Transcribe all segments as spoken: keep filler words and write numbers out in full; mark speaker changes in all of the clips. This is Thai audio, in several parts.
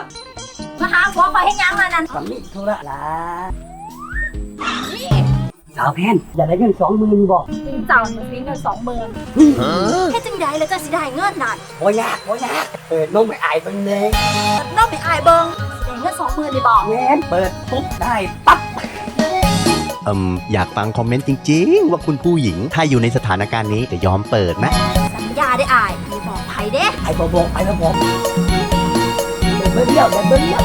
Speaker 1: มาหาผัวคอยให้ยังมานั่น
Speaker 2: สามีธุระละสาวแพนอยากได้เงินสองหมื่นบอก
Speaker 1: จริงจังมันมีเงินสองหมื่นแค่จังใดแล้วจะสิได้เงินนั่น
Speaker 2: โอ้ยากโอ้ยากเปิดน้องไปอายเบิ่งเลย
Speaker 1: น้องไปอายเบิงได้เงินสองหมื่นเลยบอก
Speaker 2: แม่นเปิดปุ๊บได้ปั๊บ
Speaker 3: อืมอยากฟังคอมเมนต์จริงๆ ว่าคุณผู้หญิงถ้าอยู่ในสถานการณ์นี้จะยอมเปิดไหม
Speaker 1: สัญญาได้อายมีบอกไผเด้
Speaker 2: ไอ้บอกบอกไอ้บอกบอกเบิ่งเดียวเบิ่งเดียว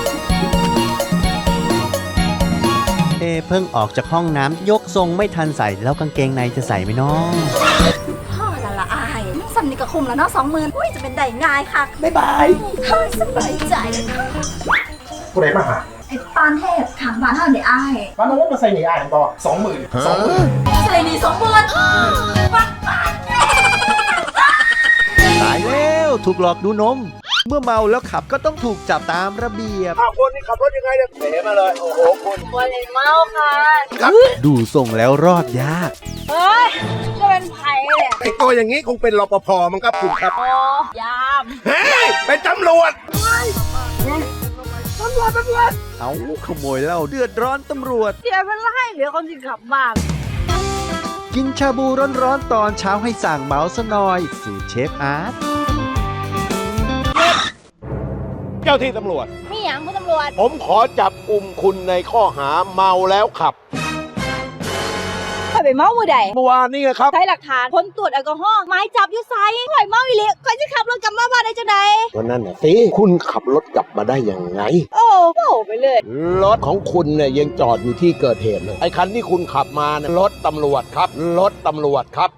Speaker 3: เอเพิ่งออกจากห้องน้ำยกทรงไม่ทันใส่แล้วกางเกงในจะใส่ไหมน้อง
Speaker 1: พ่อละละอายสำนึกกระคุมแล้วเนาะสองหมื่นอุ้ยจะเป็นได้ง่ายค่ะ
Speaker 2: บ๊ายบาย
Speaker 1: เฮ้ยสบายใจ
Speaker 4: ผู้ใดมาหา
Speaker 1: ไอ้ปานเทพถามบ้านเท่าเดี๋ยวอาย
Speaker 4: บ้านน้องมาใส่หนีอ่านต่อสองหมื่นสองหมื่น
Speaker 1: ใส่นี่สองหมื่นปักปัก
Speaker 3: ตายแล้วถูกหลอกดูนม เมื่อเมาแล้วขับก็ต้องถูกจับตามระเบียบ
Speaker 4: อ้าวคนนี่ขับรถยังไงเนี่ยเป๋มาเลย โอ้โหคุณ
Speaker 1: วันนี้เมาค่ะ
Speaker 3: ดูทรงแล้วรอดยาก
Speaker 1: เฮ้ยจะเป็นไผ่เนี่ย
Speaker 4: ไอตัวอย่างนี้คงเป็นรปภมั้งครับคุณครับ
Speaker 1: โอ้ยาม
Speaker 4: เฮ้ย เป็นตำรวจ
Speaker 3: เอาขโมยเหล้าเดือดร้อนตำรวจ
Speaker 1: เดี๋ยวเป็นไรเดี๋ยวคนจะกลับบ้าน
Speaker 3: กินชาบูร้อนๆตอนเช้าให้สั่งเมาส์ซะหน่อยสูตรเชฟอาร์ต
Speaker 4: เจ้าที่ตำรวจ
Speaker 1: มีอย่างคุณตำรวจ
Speaker 4: ผมขอจับกลุ่มคุณในข้อหาเมาแล้วขับ
Speaker 1: ข่อยไปเมามือใด
Speaker 4: เมื่อวานนี้ไงครับ
Speaker 1: ใช้หลักฐานผลตรวจแอลกอฮอล์ไม้จับอยู่ไซข่อยเมาอีหลีข่อยจะขับรถกลับมาบ้านได้จังได
Speaker 4: วันนั้นน่ะสิ คุณขับรถกลับมาได้ยังไง
Speaker 1: โอ้โหไปเลย
Speaker 4: รถของคุณเนี่ยยังจอดอยู่ที่เกิดเหตุเลย ไอ้คันที่คุณขับมาเนี่ยรถตำรวจครับ รถตำรวจครับ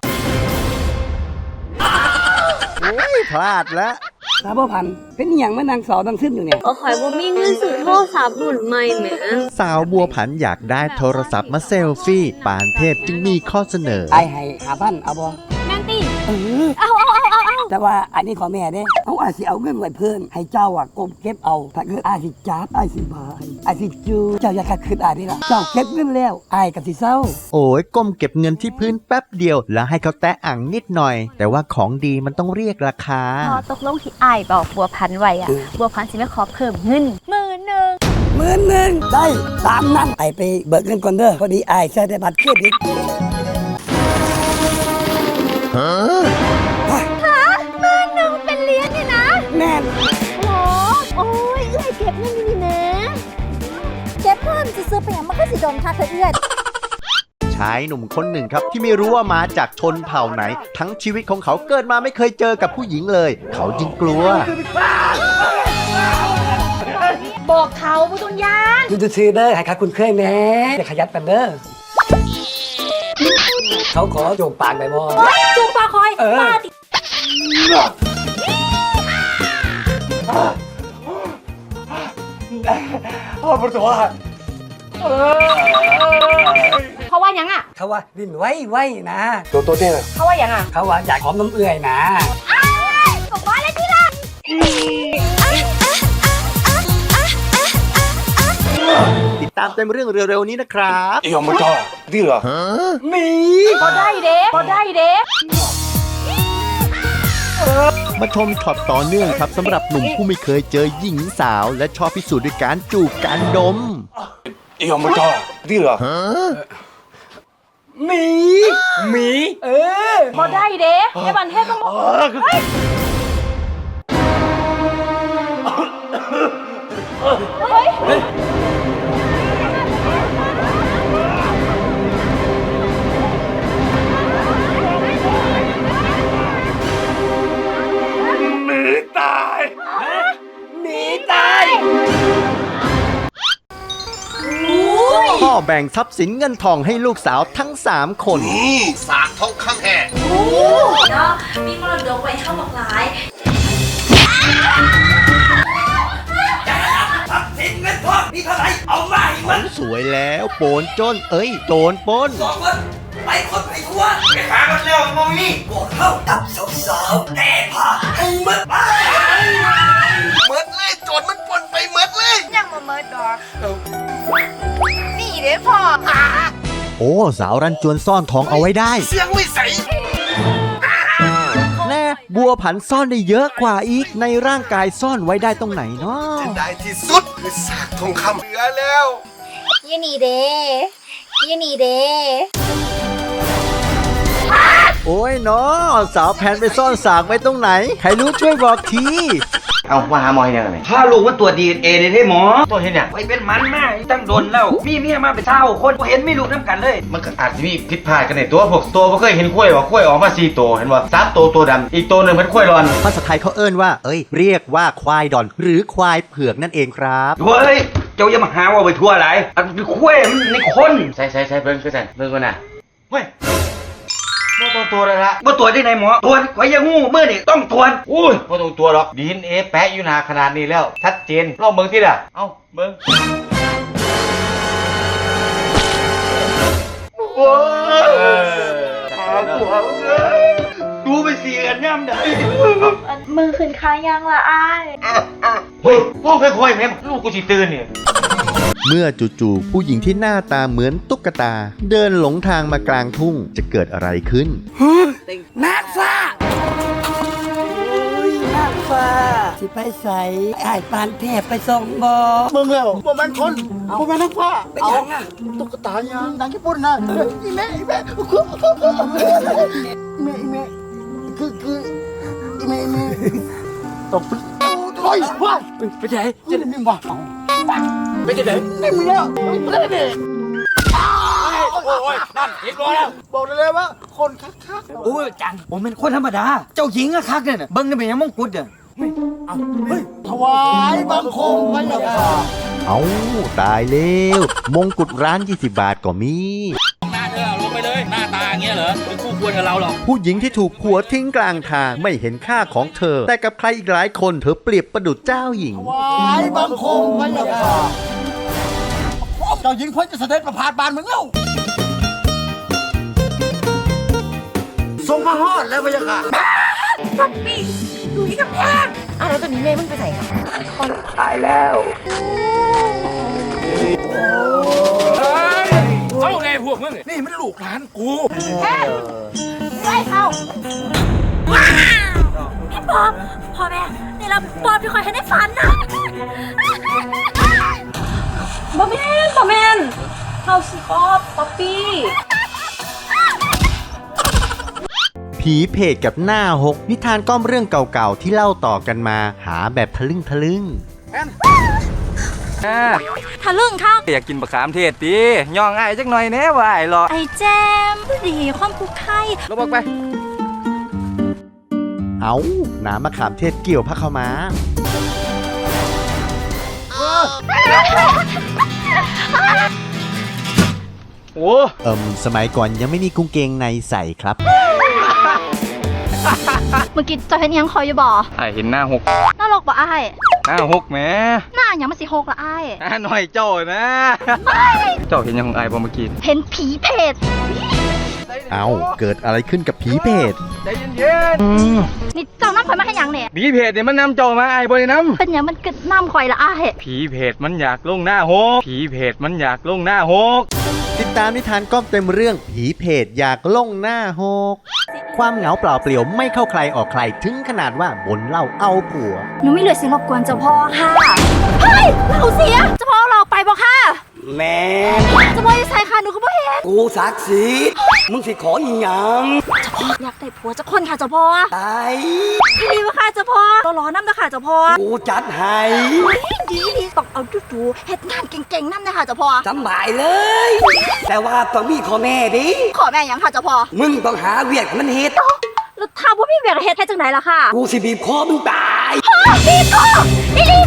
Speaker 3: พลาดแล้ว
Speaker 2: สาวบ่พันเป็นอหย่างมานางสาวดังซึมอยู่เนี่ย
Speaker 5: ก็ข่อยบ่มีเงินซื้อโทรศัพท์รุ่นใหม่แหม
Speaker 3: สาวบัวผันอยากได้โทรศัพท์มาเซลฟี่ ปานเทพจึงมีข้อเสนอ
Speaker 2: ไอ้ให้หาพันเอาบ่
Speaker 1: แม่นตี
Speaker 2: เออ
Speaker 1: เอาเอาเอาเอาเอา
Speaker 2: แต่ว่าอันนี้ขอแม่เด้เอาอาจสิเอาเงินไว้เพิ่นให้เจ้าอ่ะกบเก็บเอาถ้าเกิดอาสิจับอาสิบายอาสิจูเจ้าอย่าขัดขืนอานี่ล่ะเจ้าเก็บเงินแล้วอายก็สิเศร้า
Speaker 3: โอ้ยก้มเก็บเงินที่พื้นแป๊บเดียว แล้วให้เขาแตะอ่างนิดหน่อย แต่ว่าของดีมันต้องเรียกราคา
Speaker 5: พอตกลงที่อ้ายบอกบัวพันธุ์ไว้อะบัวพันธุ์สิไม่ขอเพิ่มเงินหมื่นหนึ่ง
Speaker 2: หมื่นหนึ่งได้ตามนั้นไอไปเบิกเงินก่อนเด้อพอดีไอายใช้ได้บัตรเครดิต
Speaker 1: หมื่นหนึ่งเป็นเหรียญนี่นะ
Speaker 2: แม่น
Speaker 1: โอ้โอ้ยเอื้อยเก็บเงินนี่นะเก็บเพิ่มจะซื้อไปอย่างมันก็สิโดนค่าเธอเอื้อย
Speaker 3: ชายหนุ่มคนหนึ่งครับที่ไม่รู้ว่ามาจากชนเผ่าไหน ทั้งชีวิตของเขาเกิดมาไม่เคยเจอกับผู้หญิงเลย เขาจึงกลัว
Speaker 1: บอกเขาผู้ตุนยาน
Speaker 2: คุณจะซื้อเด้อให้ค่ะคุณเคยแม่อย่าขยันกันเด้อเขาขอโจมปากได้บ่
Speaker 1: จูงปลาคอย
Speaker 2: เออ
Speaker 1: ปลาติ
Speaker 4: พ่อปวดหัว
Speaker 1: เขาว่ายังอ่ะ
Speaker 2: เขาว่าดิ้นไว้ไว้นะ
Speaker 4: ตัวตัวเนี่ย
Speaker 1: เขาว่ายังอ่ะ
Speaker 2: เขาว่าอยากหอมน้ำเอื่อยนะ
Speaker 1: บอกว่าอะไรที่ละ
Speaker 3: ติดตามเต็มเรื่องเร็วๆนี้นะครับ
Speaker 4: อียอมมาจ่อดีเหรอ
Speaker 2: มี
Speaker 1: พอได้เด้พอได้เด้
Speaker 3: มาชมช็อตต่อเนื่องครับสำหรับหนุ่มผู้ไม่เคยเจอหญิงสาว และชอบพิสูจน์ด้วยการจูบการดม
Speaker 4: อียอมมาจ่อดีเหรอ
Speaker 2: มีมีเออ
Speaker 1: พอได้เด้ในบันเทศต้องบอกเฮ้ย
Speaker 4: หนีตาย
Speaker 2: หนีตาย
Speaker 3: พ่อแบ่งทรัพย์สินเงินทองให้ลูกสาวทั้งสามคน
Speaker 4: นี่สากทองคำแห่
Speaker 1: เนาะมีมรดกไว้เข้าหลากหลาย
Speaker 2: สินเงินทองมีเท่าไหร่เอามาให้มัน
Speaker 3: สวยแล้วโปนจน เอ้ยโจรปล้น
Speaker 2: สองคนไปคนไปทั่วไปหากันแล้วมองนี่พวกเข้าตับสาวๆแต่พาให้มันไป
Speaker 4: เมิดเลยโจรมันปนไปเมิดเลย
Speaker 1: ยังมาเมิดดอกนี่เด้พ่อ
Speaker 3: โอ้สาวรันจวนซ่อนทองเอาไว้ได้
Speaker 4: เสียงไม่ใส
Speaker 3: แน่บัวผันซ่อนได้เยอะกว่าอีกในร่างกายซ่อนไว้ได้ตรงไหนเนาะ
Speaker 6: ได้ที่สุดคือสากทองคำเหลือแล้ว
Speaker 1: ยี่นี่เด้ยี่นี่เด้
Speaker 3: โอ้ยเนาะสาวแพนไปซ่อนสากไว้ตรงไหนใครรู้ช่วยบอกที
Speaker 7: เอามาหาหมอให้ยังไงถ้ารู้ว่าตัวดีเอเลยได้หมอตัวเห็นเนี่ยไปเป็นมันมากตั้งโดนแล้วมีเมียมาเป็นเท่าคนบ่เห็นไม่รู้น้ำกันเลย มันก็อาจจะมีผิดพลาดกันในตัวพวกตัวบ่เคยเห็นกล้วยว่ากล้วยออกมาสี่ตัวเห็นว่าสามตัวตัวดำอีกตัวหนึ่งเป็นกล้วยรอน
Speaker 3: ภาษาไทยเขาเอิ้นว่าเอ้ยเรียกว่าควายดอนหรือควายเผือกนั่นเองครับ
Speaker 7: เฮ้ยเจ้าอย่ามาหาว่าไปทั่วไรอันเป็นกล้วยมันในคนใช่ใช่ใช่เบิ่งคือใส่เบิ่งก่อนนะเฮ้ยบ่ตัวตัวเลยละบ่ตัวได้ไหนหมอตัวไว้ยังงูเมื่อนี่ต้องตัวอุ้ยบ่ต้องตัวหรอกดีเอ็นเอแปะอยู่หนาขนาดนี้แล้วชัดเจนลองเบิ่งสิล่ะเอ้าเบิ่งโอ้ยตากูเอาเลยดูไปเสียกันย่ำได้
Speaker 1: มือขึ้นค้ายังละอ้าย
Speaker 7: เฮ้ยพ่อค่อยๆแม่ลูกกูสิตื่นเนี่ย
Speaker 3: เมื่อจู่ๆผู้หญิงที่หน้าตาเหมือนตุ๊กตา เดินหลงทางมากลางทุ่งจะเกิดอะไรขึ้น
Speaker 2: นางฟ้าโอ้ยนางฟ้าสิไปใส่ไอ้ายปานเทพไปส่งบ่
Speaker 6: มึงแล้วบ่แม่นคนบ่แม่นนักผ้า
Speaker 2: เป็นหยังอ่ะ
Speaker 6: ตุ๊กตายางดังญี่ปุ่นนะอีแม่อีแม่คืออีแม่อีแม่คือคืออีแม่อีแม่ตบโอ้ยว้ายไปไหนจะได้มีบ่ไปไหนไม่มีแล้วไปไหนโอ้ยนั่นเห็นบ่แล้วบอกได้เลยว่าคนคักๆ
Speaker 8: โอ้ยจังผมเป็นคนธรรมดา เจ้าหญิงอะคักเนี่ยน่ะเบิ้งได้เป็นยังมงกุฎเนี่ย
Speaker 6: เอาเฮ้ยถวายบังคมพระยาค่ะ
Speaker 3: เอาตายแล้วมงกุฎร้านยี่สิบบาทก็มี
Speaker 8: หน้าเธอลงไปเลย หน้าตาอย่างเงี้ยเหรอเป็นคู่ควรกับเราหรอก
Speaker 3: ผู้หญิงที่ถูกผัวทิ้งกลางทางไม่เห็นค่าของเธอ แต่กับใครอีกหลายคนเธอเปรียบประดุจเจ้าหญิง
Speaker 6: ถวายบังคมพระยาค่ะเจ้าหญิงควรจะเสด็จประพาสบานเมืองเล่าทรงพระฮอดแล้วพระยาค่ะ
Speaker 2: ตายแล้ว
Speaker 8: เอาไงพวกมึง
Speaker 6: นี่มันลูกหลานกู
Speaker 1: ไม่เข้าพี่ป๊อบพ่อแม่นี่เราป๊อบที่คอยให้ได้ฝันนะบอมเมนบอมเมนเฮาสิป๊อบป๊อปปี้
Speaker 3: ผีเพจกับหน้าหกนิทานก้อมเรื่องเก่าๆที่เล่าต่อกันมาหาแบบทะลึ่งทะลึ่ง
Speaker 1: ทะลึ่งข้าว
Speaker 9: อยากกินบะขามเทศดิย่องไอ้ายจักหน่อยแน่ว่าไอ้หรอ
Speaker 1: ไอแจมดีความผูกไทย
Speaker 9: ลงบอกไป
Speaker 3: เอาน้ำมะขามเทศเกี่ยวพระเข้ามา
Speaker 9: โอ้
Speaker 3: เอิมสมัยก่อนยังไม่มีกุ้งเกงในใส่ครับ
Speaker 5: เมื่อกี้เจะเห็นอิหยังคอยอยู่บ่
Speaker 9: ไอ้เห็นหน้าหก
Speaker 5: น่ารักบ่อ้าย
Speaker 9: หน้าหกแหม
Speaker 5: หน้าหยังมันสิหกละอ้าย
Speaker 9: หน้าหน่อยเจ้านะ เจ้าเห็นยังของไอ้บ่เมื่อกี้
Speaker 5: เห็นผีเพจ
Speaker 3: เอาเกิดอะไรขึ้นกับผีเพจ
Speaker 9: ใจเย็น
Speaker 5: นี่เจ้าน้ำข่อยมาให้หยังเนี่ย
Speaker 9: ๆผีเพจเนี่ยมันนำเจ้ามาไอ้บ่ได้น
Speaker 5: เป็นหยังมันกึดน้ำข่อยละอ้าย
Speaker 9: ำผีเพจมันอยากลงหน้าหกผีเพจมันอยากลงหน้าหก
Speaker 3: ติดตามนิทานก้อมเต็มเรื่องผีเพจอยากล่งหน้าหกความเหงาเปล่าเปลี่ยวไม่เข้าใครออกใครถึงขนาดว่าบนเหล่าเอาผัว
Speaker 1: หนูไม่เหลือสิรบกวนเจ้าพ่อค่ะเฮ้ยเราเสียเจ้าพ่อเราไปบอกค่ะ
Speaker 2: แม่
Speaker 1: เจ้าพ่อจะใส่ค่ะหนูก็บ่เห็น
Speaker 2: กูศักดิ์สิทธิ์มึงสิขออีหยัง
Speaker 1: เจ้าพ่ออยากได้ผัวเจ้าคนค่ะเจ้าพ่อ
Speaker 2: ตาย
Speaker 1: พี่ดีวะค่ะเจ้าพ่อรอรอน้ำนะค่ะเจ้าพ่อ
Speaker 2: กูจัดให้
Speaker 1: ดีดีต้องเอาดูดูเฮ็ดงานเก่งๆน้ำนะคะเจ้าพ่อ
Speaker 2: สำบายเลย แต่ว่าต้องมีข้อแม่ดิ
Speaker 1: ขอแม่หยังค่ะเจ้าพ่อ
Speaker 2: มึงต้องหาเวียกให้มันเฮ็ด
Speaker 1: แล้วถ้าว่าพี่เวียกเฮ็ดเฮ็ดจังไหนล่ะค่ะ
Speaker 2: กูสิบีบคอมึงตาย
Speaker 1: พี่ก็พี่ดี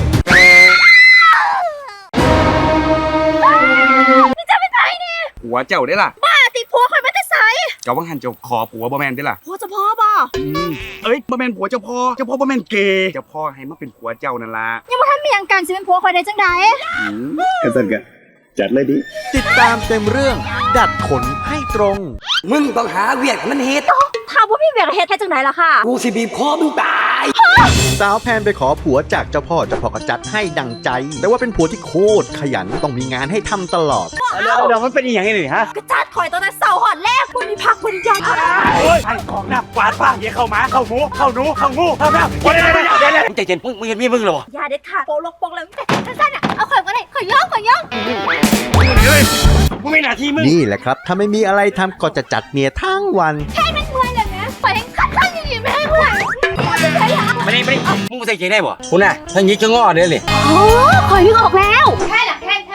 Speaker 1: พี่จะไปไหนนี่
Speaker 9: ผัวเจ้าได้ล่ะ
Speaker 1: บ้าติผัวคอยไม่ได้ใส่
Speaker 9: เจ้าวังหันเจ้าขอผัวบ่แม่นได้ล่ะ
Speaker 1: ผัวเจ้าพ่อบ่
Speaker 9: เอ้ยบ่แม่นผัวเจ้าพ่อเจ้าพ่อบ่แม่นเกย์เจ้าพ่อให้มาเป็นผัวเจ้านั่นล่ะ
Speaker 1: ยังบ่ทันมีหยังกันสิเป็นผัวคอยได้จังได
Speaker 9: กันซั่นก็จัดเลยดิ
Speaker 3: ติดตามเต็มเรื่อง ดัดขนให้ตรง
Speaker 2: มึงต้องหาเวียกให้มันเฮ็ด
Speaker 1: ถ้าว่าพี่เวียกเฮ็ดเฮ็ดจังไหนล่ะค่ะ
Speaker 2: กูสิบีบคอมึงตาย
Speaker 3: สาวแพนไปขอผัวจากเจ้าพ่อเจ้าพ่อก็จัดให้ดังใจ แต่ว่าเป็นผัวที่โคตรขยันต้องมีงานให้ทำตลอด
Speaker 9: เดี๋ยวเดี๋ยวมันเป็นอย่างนี้เลยฮะ
Speaker 1: กระจาดข่อยตอนนั้นเสาหอดแรกคุณมีพักคุณยัง
Speaker 9: โอ้ยไอ้ของหนักกวาดบ้างเดี๋ยวเข้ามาเข้าหมูเข้าหนูเข้างูเข้าแมวเดี๋ยวเดี๋ยวเดี๋ยวเดี๋ยวมึงใจเย็นมึงมึงเห็นมีมึงเหรอ
Speaker 1: อย่าเด็ดขาดโปลกโปกเลยแต่สั้นๆอ่ะเอาข่อยมาเลยข่อยย่องข่อยย่อง
Speaker 9: มึงไม่หน้าที่มึง
Speaker 3: นี่แหละครับ ถ้าไม่มีอะไรทำก็จะจัดเนียทั้งวัน
Speaker 1: แค่นั้นเมื่อยเลยนะข่อยยังคัดข้างยังอยู่ไม่ให้เมื่อยไม่ใช่ละ
Speaker 9: ไม่ได้ไม่ได้มึงใส่ใจได้บ่คุณน่ะถ้างี้จะง้อเด้เลย
Speaker 1: โอ้ข่อยนึกออกแล้วแค่น่ะแค่แค่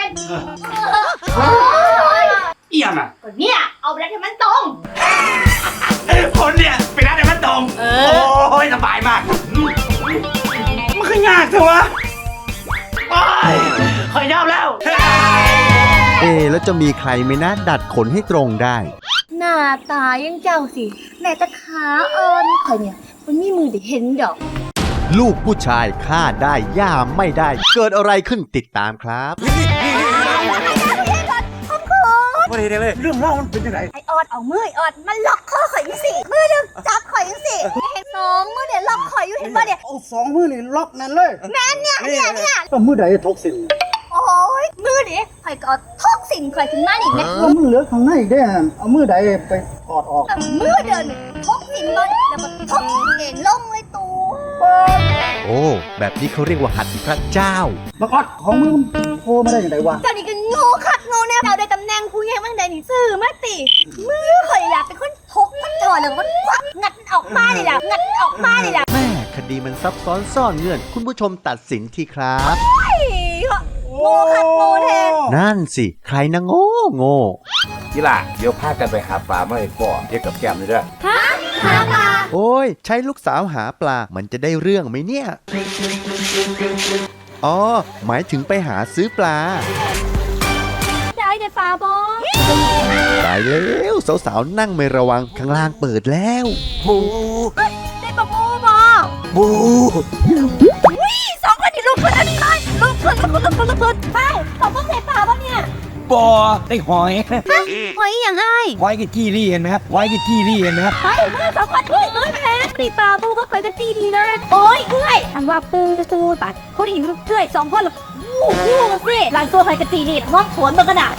Speaker 9: เอี่ยมอ่ะ
Speaker 1: ก็เนี่ยเอาไปแล้วให้มันตรง
Speaker 9: คนเนี่ยไปร้านไหนมันตรงโอ้ยสบายมากมันคือยากจังวะโอ้ยขอยยอมแล้ว
Speaker 3: เอ๊ะแล้วจะมีใครไหมนะดัดขนให้ตรงได้
Speaker 1: หน้าตายังเจ้าสิแม่ตะขาเอิญข่อยเนี่ยมันมีมือได้เห็นดอก
Speaker 3: ลูกผู้ชายฆ่าได้ย่ามไม่ได้ เกิดอะไรขึ้นติดตามครับ
Speaker 9: ไม่ได้เลยเรื่องเล่ามันเป็นยังไง
Speaker 1: ไอออดเอามือไอออดมันล็อกคอข่อยอยู่สิมือหนึงจับข่อยอยู่สิเห็นสองมือเนี่ยล็อกข่อยอยู่เห็นป่ะเนี่ย
Speaker 6: เอาสองมือนี่ล็อกนั่นเลย
Speaker 1: แม่นเนี่ยเนี่ยเนี่ย
Speaker 6: ก็มือใดทกสิน
Speaker 1: โอ้ยมือดิข่อยก็เอาท่องสิ่งข่อยขึ้นมานี่แม่
Speaker 6: ก็มือเหลือข้างในได้หั่นเอามือใดไปถอดออก
Speaker 1: มือเดินท่องสิ่งมันแล้วก็ท่องเองลงเลยตู
Speaker 3: โอ้แบบนี้เขาเรียกว่าหัดพระเจ้า
Speaker 6: บักออดของมือมันโผล่มาได้ยังไงวะ
Speaker 1: เจ้านี่ก็โง่คักโง่แน่เราได้ตำแหน่งผู้ใหญ่มั่งใดนี่ซื่อมาติมือข่อยอยากเป็นคนทกมันถอดแล้วมันควักงัดมันออกมาเลยล่ะงัดมันออกมาเลยล่ะ
Speaker 3: แม่คดีมันซับซ้อนซ่อนเงื่อน คุณผู้ชมตัดสินทีครับ
Speaker 1: โง่คักโง่แท้
Speaker 3: นั่นสิ ใครนะโง่โง่
Speaker 4: กีฬาเดี๋ยวพากันไปหาปลามาให้พ่อเทียบกับแก้มเลยเด้อ
Speaker 1: ฮะหาปลา
Speaker 3: โอ้ย ใช้ลูกสาวหาปลา มันจะได้เรื่องไหมเนี่ย อ๋อ หมายถึงไปหาซื้อปลา
Speaker 1: ได้แต่ปลาบอ
Speaker 3: ตายแล้วสาวๆนั่งไม่ระวังข้างล่างเปิดแล้ว
Speaker 1: ได้ปลาบูบอ
Speaker 2: บู
Speaker 1: วิ่งสองคนนี่ลุกขึ้นอันนี้เลยลุกขึ้นลุกขึ้นลุกขึ้นลุกขึ้นไปสองคนใส่ปลาปะเนี่ย
Speaker 8: ปอได้หอย
Speaker 1: หอยอย่างไร
Speaker 8: หอยกับจี้รี่เห็นไหมครับหอยกับจี้รี่เห็นไหมครับ
Speaker 1: ไปเมื่อสองคนเฮ้ยเอ้ยแพ้ตีปลาบูก็เคยกันตีดีเลยโอ้ยเอ้ยอันว่าปูจะสู้ปัดคนหิวลูกเชื่อยสองคนหรอกวู้วู้กันสิหลังตัวใครกันตีนี่ห้องสวนมันกระดาษ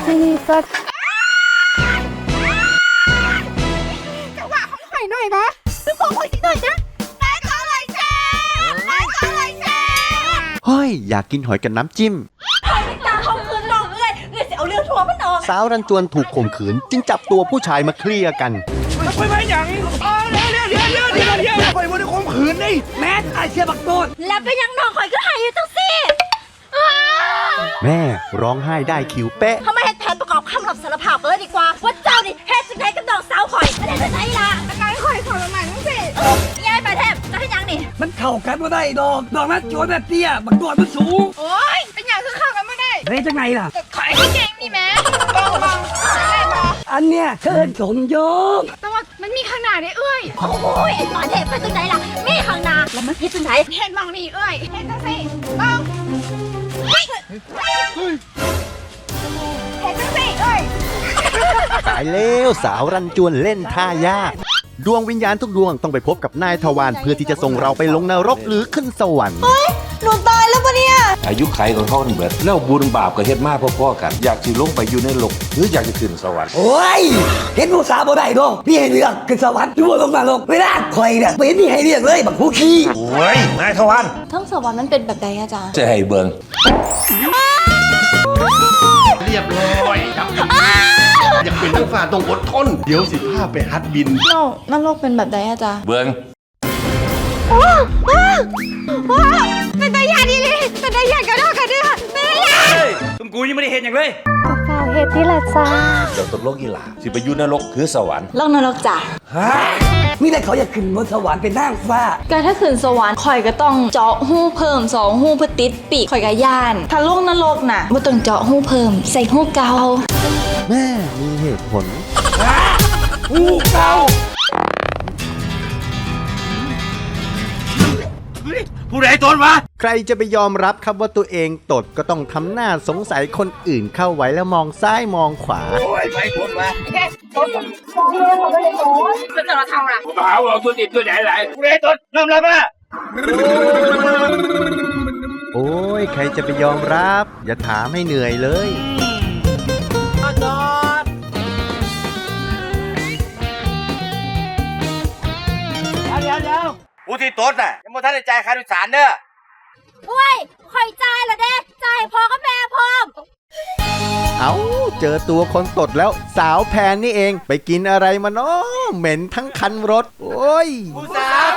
Speaker 1: จังหวะของหอยหน่อยนะทุกคนหอยหน่อยนะได้ขออะไรแช่ได้ขออะไรแช่
Speaker 3: เฮ้ย อยากกินหอยกับน้ำจิ้ม
Speaker 1: ตาเขาคืนน้องเอ้ยเอ้ยจะเอาเรื่องทัวร์มันออก
Speaker 3: สาวรันจวนถูกข่มขืน จึงจับตัวผู้ชายมาเคลียร์กัน
Speaker 9: ไปไปอย่างนี้อ๋อเดี๋ยวเดี๋ยวเดี๋ยวเดี๋ยวเดี๋ยวเดี๋ยวไปวันนี้ข่มขืนนี่
Speaker 8: แม่ไอเชียบักโดน
Speaker 1: แล้วก็ยังน้องข่อยก็หายอยู่จังสิอ้าว
Speaker 3: แม่ร้องไห้ได้คิวเป๊ะ
Speaker 1: ทำไมให้แผนประกอบคำรับสารภาพเลยดีกว่าว่าเจ้านี่เฮ็ดสิ่งใดกับน้องสาวข่อยไม่ได้จะใช่ละการข่อยข่อยใหม่ทั้งสิยายไปแทบจะให้ยังนี่
Speaker 8: มันเข้ากันว่าได้ดอกดอกนั้นโจรแบบเตี้ยบักโดนมันสูง
Speaker 1: โอ้ยเป็นอย่างคือเข้ากันไม่ได้
Speaker 8: เฮ้ยจังไงล่ะ
Speaker 1: ข่อยก็เก่งนี่แม่บ้องบ้องได้บ้อง
Speaker 8: อันเนี้ยเชิญสมยศ
Speaker 1: แต่ว่ามันมีข้างหน้าได้เอ้ยโอ้ยไอ้ตอนเทพไปจังไหนล่ะมีข้างหน้าแล้วมันเฮ็ดจังไหนเฮ็ดมองนี่เอ้ยเฮ็ดจังสิบ้องเฮ้ยเฮ็ดจังสิเอ้ย
Speaker 3: ตายแล้วสาวรันจวนเล่นท่ายาก ดวงวิญญาณทุกดวงต้องไปพบกับนายทวารเพื่อที่จะส่งเราไปลงนรกหรือขึ้นสวรรค์
Speaker 1: หนูตายแล้วปะเนี่ย
Speaker 4: อายุไขของเขาเบิดแล้วบุญบาปก็เฮ็ดมาพ่อๆกัน อยากสิลงไปอยู่ในโลกหรืออยากจะขึ้นสวรรค์
Speaker 2: โอ้ย เห็นผู้สาวบ่ได้ดอกพี่ให้เลือกขึ้นสวรรค์หรือว่าลงมาลงเวลาคอยเนี่ยเป็นนี่ให้เลือกเลยบักผู้ขี้
Speaker 4: โอ้ยนายทวัน
Speaker 5: ทั้งสวรรค์มันเป็นแบบใดอาจารย์
Speaker 4: จะให้เบิ่ง
Speaker 10: เรียบร้อยครับอยากเป็นนักฝ่าต้องอดทน เดี๋ยวสิพาไปฮัดบิน
Speaker 5: โลกนรกเป็นแบบใดอาจารย์
Speaker 4: เบิ่ง
Speaker 1: เป็นตายาดีเลยเป็นตายากระโดดกระเดือเป็นตายา
Speaker 9: เฮ้ยคุณกูยังไม่ได้เห็นอย่างเลย
Speaker 5: เฝ้าเฮ็ดที่ละจ้า
Speaker 4: เจ้าตกลงอีหลาสิไปอยู่นรกหรือสวรรค์
Speaker 5: โลกนรกจ้ะ
Speaker 2: ฮะมีแต่เขาอยากขึ้นบนสวรรค์เป็นนางฟ้า
Speaker 5: ก็ถ้าขืนสวรรค์ข่อยก็ต้องเจาะหูเพิ่มสองหูเพื่อติดปีกข่อยก็ย่าน ถ้าโลกนรกน่ะบ่ต้องเจาะหูเพิ่มใส่หูเก่า
Speaker 3: แม่มีเหตุผล
Speaker 4: ผู้เก่า
Speaker 9: ผู้ใดตนวะ
Speaker 3: ใครจะไปยอมรับครับว่าตัวเองตดก็ต้องทำหน้าสงสัยคนอื่นเข้าไว้แล้วมองซ้ายมองขวา
Speaker 7: โอ้ยไม่พ้นมา
Speaker 1: จะจะเราทำอะไร
Speaker 7: ผมหาว่าตัวติดตัวไหนไหลกูได้ตัวน้ำรับอ่ะ
Speaker 3: โอ้ยใครจะไปยอมรับ อย่าถามให้เหนื่อยเลย
Speaker 7: เดี๋ยวเดี๋ยวผู้ที่ตดน่ะยังไม่ทันได้จ่ายค่าโดยสารเด้อ
Speaker 1: อุ้ยคอยจ่ายเหรอเด้จ่ายพอก็แม่พร้อม
Speaker 3: เอาเจอตัวคนตดแล้วสาวแพนนี่เองไปกินอะไรมาเนาะเหม็นทั้งคันรถ โอ้ย
Speaker 7: ผู้สาว